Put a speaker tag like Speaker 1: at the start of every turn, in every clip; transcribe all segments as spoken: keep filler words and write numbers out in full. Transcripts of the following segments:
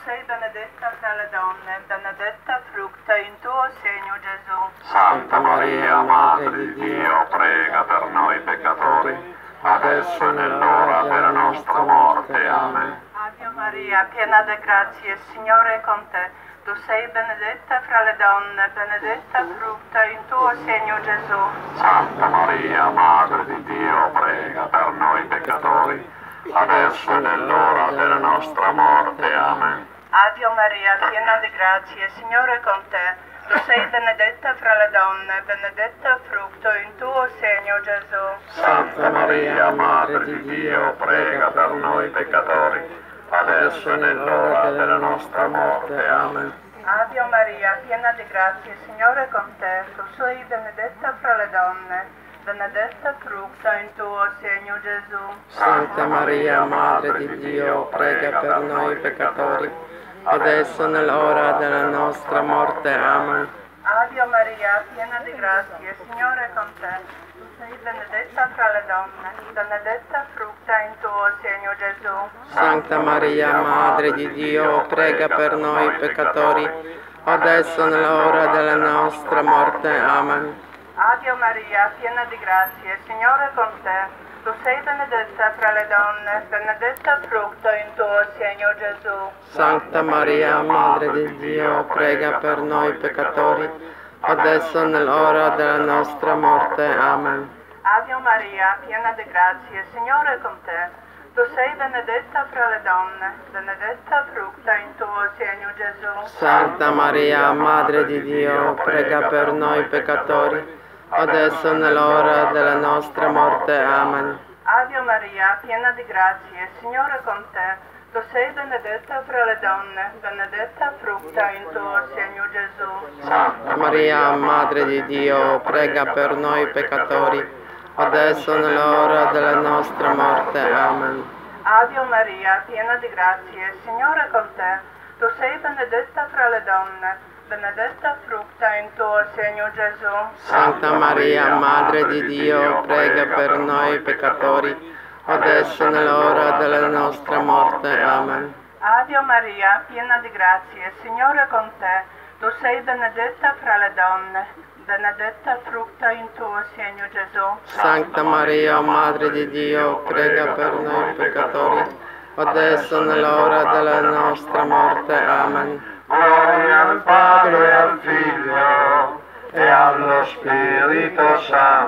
Speaker 1: sei benedetta tra le donne, benedetta frutta in tuo segno Gesù.
Speaker 2: Santa Maria, Madre di Dio, prega per noi peccatori, adesso e nell'ora della nostra morte. Amen.
Speaker 1: Ave Maria, piena di grazia, il Signore è con te. Tu sei benedetta fra le donne, benedetta frutta in tuo segno Gesù.
Speaker 2: Santa Maria, Madre di Dio, prega per noi peccatori, adesso e nell'ora della nostra morte. Amen.
Speaker 1: Ave Maria, piena di grazia, il Signore è con te. Tu sei benedetta fra le donne, benedetta frutto in tuo segno Gesù.
Speaker 2: Santa Maria, Madre di Dio, prega per noi peccatori, adesso e nell'ora della nostra morte. Amen.
Speaker 1: Ave Maria, piena di grazia, il Signore è con te. Tu sei benedetta fra le donne, benedetta frutta in tuo segno Gesù.
Speaker 3: Santa Maria, Madre di Dio, prega per noi peccatori, adesso e nell'ora della nostra morte. Amen.
Speaker 1: Ave Maria, piena di grazia, il Signore è con te. Tu sei benedetta fra le donne, benedetta frutta in tuo segno Gesù.
Speaker 3: Santa Maria, Madre di Dio, prega per noi peccatori, adesso e nell'ora della nostra morte. Amen.
Speaker 1: Ave Maria, piena di grazia, il Signore è con te. Tu sei benedetta fra le donne, benedetta frutto in tuo segno Gesù.
Speaker 3: Santa Maria, Madre di Dio, prega per noi peccatori, adesso e nell'ora della nostra morte. Amen.
Speaker 1: Ave Maria, piena di grazia, il Signore è con te. Tu sei benedetta fra le donne, benedetta frutta in tuo segno Gesù.
Speaker 3: Santa Maria, Madre di Dio, prega per noi peccatori, adesso e nell'ora della nostra morte. Amen.
Speaker 1: Ave Maria, piena di grazia, il Signore è con te. Tu sei benedetta fra le donne, benedetta frutta in tuo segno Gesù.
Speaker 3: Santa Maria, Madre di Dio, prega per noi peccatori, adesso e nell'ora della nostra morte. Amen.
Speaker 1: Ave Maria, piena di grazia, il Signore è con te. Tu sei benedetta fra le donne, benedetta frutta in tuo segno Gesù.
Speaker 3: Santa Maria, Madre di Dio, prega per noi peccatori, adesso e nell'ora della nostra morte. Amen.
Speaker 1: Ave Maria, piena di grazia, il Signore è con te. Tu sei benedetta fra le donne, benedetta frutta in tuo segno Gesù.
Speaker 3: Santa Maria, Madre di Dio, prega per noi peccatori, adesso e nell'ora della nostra morte. Amen.
Speaker 2: Gloria al Padre e al Figlio e allo Spirito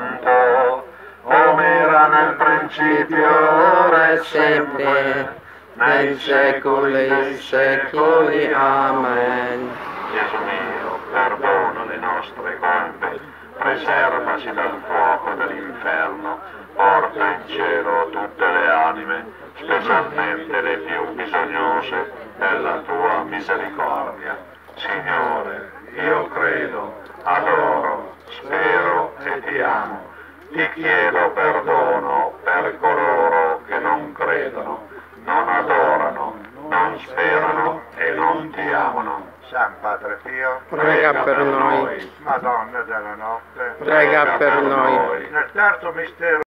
Speaker 2: Santo, come era nel principio,
Speaker 3: ora e sempre, nei secoli dei secoli. Amen.
Speaker 2: Gesù mio, perdona le nostre colpe, preservaci dal fuoco dell'inferno, porta in cielo tutte le anime, specialmente le più bisognose della tua misericordia. Signore, io credo, adoro, spero e ti amo. Ti chiedo perdono per coloro che non credono, non adorano, non sperano e non ti amano.
Speaker 4: San Padre Pio,
Speaker 3: Prega per noi.
Speaker 4: Madonna della notte,
Speaker 3: Prega per noi.
Speaker 4: nel terzo mistero